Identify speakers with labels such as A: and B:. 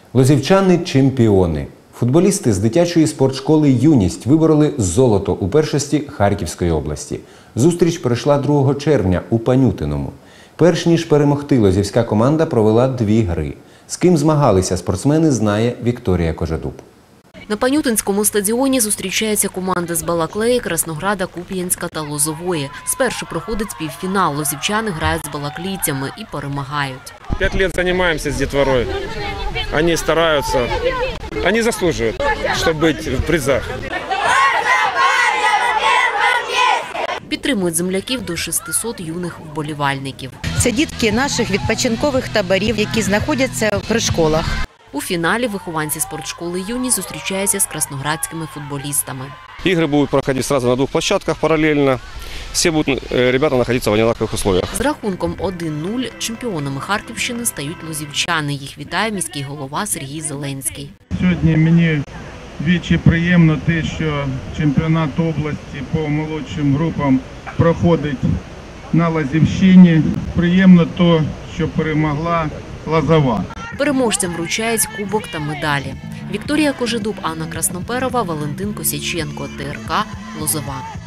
A: Лозівчани – чемпіони. Футболісти з дитячої спортшколи «Юність» вибороли золото у першості Харківської області. Зустріч пройшла 2 червня у Панютиному. Перш ніж перемогти, лозівська команда провела 2 гри. З ким змагалися спортсмени, знає Вікторія Кожедуб.
B: На Панютинському стадіоні зустрічаються команди з Балаклеї, Краснограда, Куп'янська та Лозової. Спершу проходить півфінал. Лозівчани грають з балаклійцями і перемагають.
C: 5 лет занимаемся с детворой. Они стараются, они заслуживают, чтобы быть в призах.
B: Підтримують земляків до 600 юних вболівальників.
D: Це дітки наших відпочинкових таборів, які знаходяться при школах.
B: У фіналі вихованці спортшколи «Юність» зустрічаються з красноградськими футболістами.
C: Игры будут проходить сразу на 2 площадках параллельно. Все будут ребята находиться в одинаковых условиях.
B: З рахунком 1-0 чемпіонами Харківщини стають лозівчани. Їх вітає міський голова Сергій Зеленський.
E: Сьогодні мені вдвічі приємно те, що чемпіонат області по молодшим групам проходить на Лозівщині. Приємно те, що перемогла Лозова.
B: Переможцям вручають кубок та медалі. Вікторія Кожедуб, Анна Красноперова, Валентин Косяченко, ТРК, Лозова.